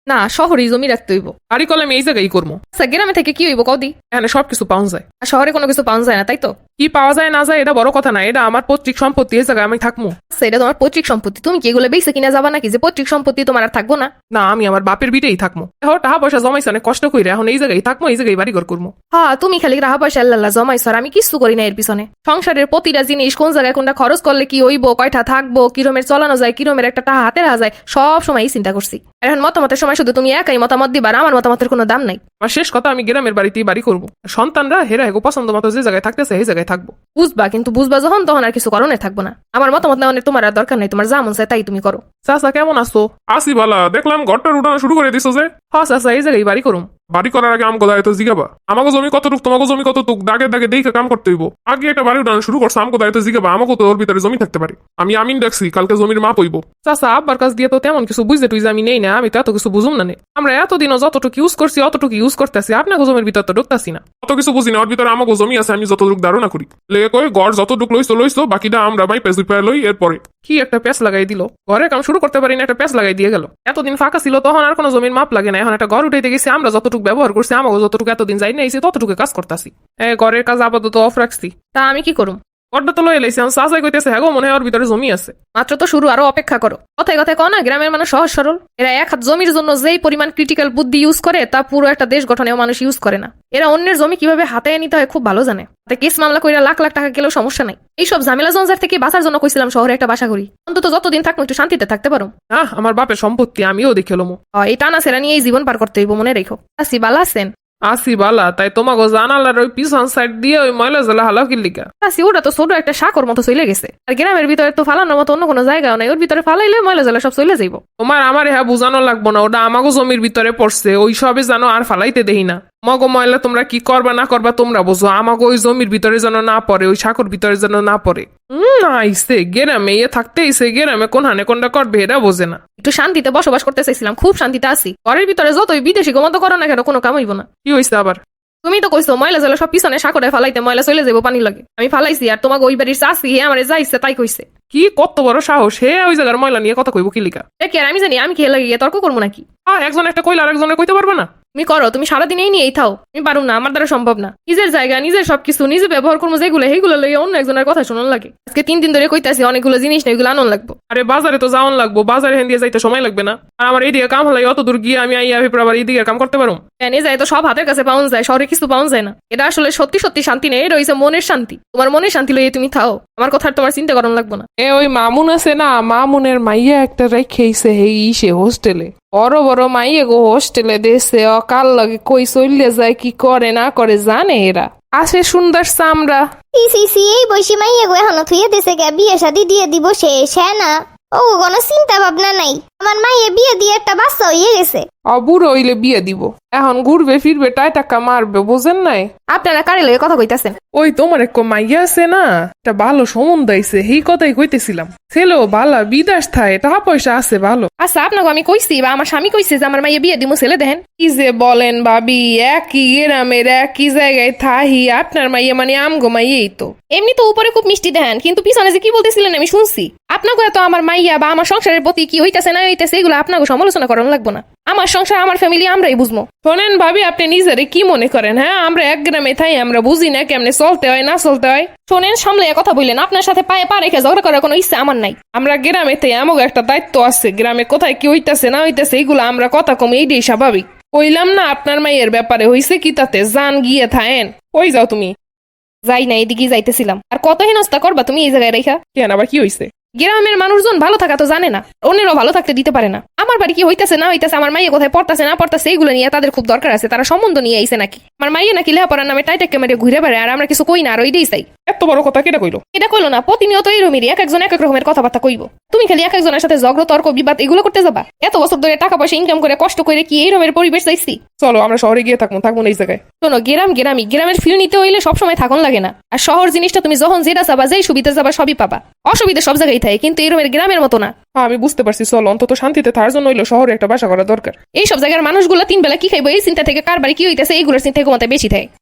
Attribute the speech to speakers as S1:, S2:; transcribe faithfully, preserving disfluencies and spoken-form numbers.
S1: না, শহরেই জমি রাখতে হইব।
S2: বাড়ি করলে আমি এই জায়গায় করবো।
S1: আচ্ছা, গ্রামে থেকে কি হইব কদি?
S2: এখানে সবকিছু পাওয়া যায়।
S1: আর শহরে কোনো কিছু পাওয়া যায় না, তাই তো?
S2: কি পাওয়া যায় না যায় এটা বড় কথা না, এটা আমার পৈতৃক সম্পত্তি, এই জায়গায় আমি থাকবো।
S1: আচ্ছা, এটা তোমার পৈতৃক সম্পত্তি, তুমি কি এগুলো বেঁচে কিনা যাবা নাকি যে পৈতৃক সম্পত্তি তোমার আর থাকবো না?
S2: না, আমি আমার বাপের বিটেই থাকবো। এখন টাকা পয়সা জমাইছে অনেক কষ্ট করে, এখন এই জায়গায় থাকবো, এই জায়গায় বাড়ি ঘর করবো।
S1: হ্যাঁ, তুমি খালি রাহা পয়সা আল্লাহ জমাইছ, আর আমি কিছু করি না এর পিছনে। সংসারের প্রতিটা জিনিস কোন জায়গায় কোনটা খরচ করলে কি হইব, কয়টা থাকবো, কিরমের চলানো যায়, কিরমের একটা টাকা হাতে রাখা যায়, সব সময় চিন্তা করছি। আর এখন মতামতের সময় শুধু তুমি একাই মতামত দিবার, আমার মতামতের কোনো দাম নাই।
S2: আমার শেষ কথা, আমি গ্রামের বাড়িতেই বাড়ি করবো। সন্তানরা হেরা হেগো পছন্দ মতো যে জায়গায় থাকতেছে এই জায়গায় থাকবো।
S1: বুঝবা, কিন্তু বুঝবা যখন তখন আর কিছু করণের থাকবো না। আমার মতামত নেওয়ার তোমার আর দরকার নাই, তোমার যা মন চায় তাই তুমি করো।
S2: চাচা কেমন আছো?
S3: আসি বালা, দেখলাম ঘরটার উঠানো শুরু করে দিছো যে।
S2: হ্যাঁ চাচা, এই জায়গায় বাড়ি করুম।
S3: বাড়ি করার আগে আমগো দায়িত্ব জিগাবা। আমাকে জমি কতটুক, তোমাকে জমি কতটুক, দাগে দাগে দেখে কাম করতে হইব। আগে একটা বাড়ি উঠানো শুরু করছো, আমগো দায়িত্ব জিগাবা। আমাকে তো ওর ভিতরে জমি থাকতে পারে। আমি আমিন দেখছি, কালকে জমির মাপ হইব।
S2: চাচা, আব্বার কাছ দিয়ে তো তেমন কিছু বুঝতে তুই যে আমি নেই না, আমি তো এত কিছু বুঝুম না নে। আমরা এতদিনও যতটুকু ইউজ করছি অতটুকু ইউজ করতেছি, আপনাকে জমির ভিতর তো ঢুকতাছি না।
S3: অত কিছু বুঝি না, ওর ভিতরে আমাকে জমি আছে, আমি যতটুক ধারণা করি। লেগে কই গড় যতটুক লইছো লইছো, বাকিটা আমরা মাই পেজ উপায় লই এরপরে।
S2: কি একটা প্যাচ লাগাই দিল, ঘরে কাম শুরু করতে পারি না, একটা প্যাচ লাগাই দিয়ে গেল। এতদিন ফাঁকা ছিল তখন আর কোনো জমির মাপ লাগে না, এখন একটা ঘর উঠাইতে গেছি, আমরা যতটুকু ব্যবহার করছি, আমাকে যতটুকু এতদিন যাই না ততটুকু কাজ করতেছি। ঘরের কাজ আপাতত অফ রাখছি।
S1: তা আমি কি করুম?
S2: ঘরটা তো লয়ে লাইছি, আমি চাচাই কইতেছে হ্যাঁ গো, মনে হয় ওর ভিতরে জমি আছে।
S1: মাত্র তো শুরু, আরো অপেক্ষা করো। কথায় কথায় কও না গ্রামের মানুষ সহজ সরল। এরা এক হাত জমির জন্য যেই পরিমাণ ক্রিটিক্যাল বুদ্ধি ইউজ করে তা পুরো একটা দেশ গঠনেও মানুষ ইউজ করে না। এরা অন্যের জমি কিভাবে হাতে নিতে হয় খুব ভালো জানে। তাতে কেস মামলা কইরা লাখ লাখ টাকা গেলেও সমস্যা নাই। এইসব ঝামেলা জঞ্জার থেকে বাঁচার জন্য কইছিলাম শহরে একটা বাসা করি, অন্তত যতদিন থাকবো একটু শান্তিতে থাকতে পারো।
S2: আহ, আমার বাপের সম্পত্তি আমিও দেখে লমো।
S1: এই টানা সেরা নিয়ে এই জীবন পার করতে হইব, মনে রেখো। আসি বালা আছেন?
S2: আসি বালা, তাই তোমাকে জানালার ওই পিছন সাইড দিয়ে ওই ময়লা জেলা হালাও কিল্লিকা।
S1: আসি, ওটা তো ছোট একটা শাকর মতো চলে গেছে। আর গ্রামের ভিতরে তো ফালানোর মতো অন্য কোনো জায়গাও নাই, ওর ভিতরে ফালাইলে ময়লা জেলা সব চলে যাইব।
S2: তোমার আমার হ্যাঁ বুঝানো লাগবো না, ওটা আমাকে জমির ভিতরে পড়ছে, ওই সবে জানো আর ফালাইতে দেই না। মগো ময়লা তোমরা কি করবা না করবা তোমরা বোঝো, আমাকে ওই জমির ভিতরে যেন না পড়ে, ওই শাকর ভিতরে যেন না পড়ে। হম আইসে গেরামে ইয়ে থাকতে ইসে গেরামে কোন হানে কোনটা করবে এটা বোঝে না।
S1: একটু শান্তিতে বসবাস করতে চাইছিলাম, খুব শান্তিতে আছি। ঘরের ভিতরে যতই বিদেশি গমত করো না কেন কোনো কাম হইব না।
S2: কি হয়েছে আবার?
S1: তুমি তো কইছো ময়লা জেলা সব পিছনে সাকরে ফালাইতে, ময়লা চলে যাবো পানি লাগে। আমি ফালাইছি, আর তোমাকে ওই বাড়ির চাষি হে আমার যা ইচ্ছে তাই কইছে।
S2: কি কত বড় সাহস, হে ওই জায়গার ময়লা নিয়ে কথা কইব কিলিকা?
S1: কি আর আমি জানি, আমি খেয়ে লাগিয়ে তর্ক করবো নাকি?
S2: হ্যাঁ, একজন একটা কইলে আর একজনের কইতে পারবে না।
S1: তুমি করো, তুমি সারাদিন এই নিয়েই থাও। আমি পারুম না, আমার দ্বারা সম্ভব না। নিজের জায়গা নিজের সবকিছু নিজে ব্যবহার করবো, যেগুলো সেইগুলো লইয়া অন্য একজনের কথা শোনান লাগে। আজকে তিন দিন ধরে কইতাছি অনেকগুলো জিনিস না, এগুলো আনন্দ লাগবো।
S2: আরে বাজারে তো যাওয়ান লাগবো, বাজারে হেন দিয়ে যাইতে সময় লাগবে না? আর আমার এইদিকে কাম হলাই অত দূর গিয়ে আমি আইয়া ভেপর আবার এইদিকে কাম করতে পারো?
S1: এনে যায় তো সব হাতের কাছে পাওয়া যায়, শহরে কিছু পাওয়া যায় না। এটা আসলে সত্যি সত্যি শান্তি নেই, এটা হইছে মনের শান্তি। তোমার মনের শান্তি লইয়ে তুমি থাও, আমার কথা তোমার চিন্তা করান লাগবো না।
S2: এ ওই মামুন আছে না, মামুনের মাইয়া একটা রেখেইছে হেই ইসে হোস্টেলে। বড় বড় মাইয়ে গো হোস্টেলে দেশে অকাল লাগে কই চললে যায়, কি করে না করে জানে এরা। আসে সুন্দর চামড়া।
S4: সি সি এই বৈশি মাইয়া গো এখনো থুয়ে দিছে গে, বিয়ে শাদি দিয়ে দিব শেষ, হ্যাঁ না? ও কোনো চিন্তা ভাবনা নাই। আমার মাইয়ে বিয়ে দিয়ে একটা বাচ্চা হয়ে গেছে।
S2: অবুড়ো হইলে বিয়ে দিব, এখন ঘুরবে ফিরবে টাই টাকা মারবে, বোঝেন নাই?
S1: আপনারা কারে লইয়ে কথা কইতাছেন?
S2: ওই তোমার এক মাইয়া আছে না, একটা ভালো সম্বন্ধ আইছে, সেই কথাই কইতেছিলাম। ছেলেও ভালা, বিদেশ থায়, টাকা পয়সা আছে ভালো।
S1: আচ্ছা, আপনাকে আমি কইছি বা আমার স্বামী কইছে যে আমার মাইয়ে বিয়ে দিমু, ছেলে দেখেন।
S2: কি যে বলেন ভাবি, একই গ্রামের একই জায়গায় থাহি, আপনার মাইয়া মানে আমগো মাইয়েই তো।
S1: এমনি তো উপরে খুব মিষ্টি দেন, কিন্তু পিছনে যে কি বলতেছিলেন আমি শুনছি। আপনাকে তো আমার মাইয়া বা আমার সংসারের প্রতি কি হইতাছে না হইতাছে এগুলো আপনাকে সমালোচনা করানো লাগবো না। আমার সংসার আমার ফ্যামিলি আমরাই বুঝবো।
S2: শোনেন ভাবি, আপনি নিজেরে কি মনে করেন? হ্যাঁ, আমরা এক গ্রামে থাই, আমরা বুঝি না কেমনে চলতে হয় না চলতে হয়?
S1: শোনেন, সামলে কথা বললেন, আপনার সাথে পায়ে পা রেখে ঝগড়া করার কোনো ইচ্ছা আমার নাই।
S2: আমরা গ্রামে থাই, আমাকে একটা দায়িত্ব আছে, গ্রামে কোথায় কি হইতাছে না হইতাছে এগুলো আমরা কথা কম, এইটাই স্বাভাবিক। কইলাম না আপনার মাইয়ের ব্যাপারে হইছে কি তাতে, জান গিয়ে থাকেন। কই যাও তুমি?
S1: যাই না, এদিকে যাইতেছিলাম। আর কত হেনস্তা করবা তুমি এই জায়গায় রেখা?
S2: কেন আবার কি হইছে?
S1: গ্রামের মানুষজন ভালো থাকা তো জানে না, অন্যেরও ভালো থাকতে দিতে পারে না। আমার বাড়ি কি হইতাছে না হইতাছে, আমার মাইয়ে কোথায় পড়তাছে না পড়তাছে এইগুলো নিয়ে তাদের খুব দরকার আছে। তারা সম্বন্ধ নিয়ে আইছে নাকি? আমার মাইয়ে নাকি লেহাপড়ার নামে টাইটেক ক্যামেরে ঘুরে বেড়ায়, আর আমরা কিছু কই না, আর ওইটাই চাই।
S2: এত বড় কথা কেটা কইলো?
S1: এটা কইলো না, প্রতিনিয়ত এরকমেরই এক একজন এক এক রকমের কথাবার্তা কইব। তুমি খালি এক একজনের সাথে ঝগড়া তর্ক বিবাদ এগুলো করতে যাবা? এত বছর ধরে টাকা পয়সা ইনকাম করে কষ্ট করে কি এইরকমের পরিবেশ চাইছি?
S2: চলো আমরা শহরে গিয়ে থাকবো, থাকবো না এই জায়গায়।
S1: শোনো, গ্রাম গ্রামই, গ্রামের ফিল নিতে হইলে সবসময় থাকুন লাগে না। আর শহর জিনিসটা তুমি যখন যেটা চাবা, যেই সুবিধা যাবা সবই পাবা। অসুবিধা সব জায়গায় থাকে, কিন্তু এরকমের গ্রামের মতো না।
S2: হ্যাঁ আমি বুঝতে পারছি, চলো অন্তত শান্তিতে থাকার জন্য হইলো শহরে একটা বাসা করা দরকার।
S1: এই সব জায়গার মানুষগুলো তিন বেলা কি খাইবো এই চিন্তা থেকে কার বাড়ি কি হইতেছে এইগুলোর চিন্তা কমাতে বেশি থাকে।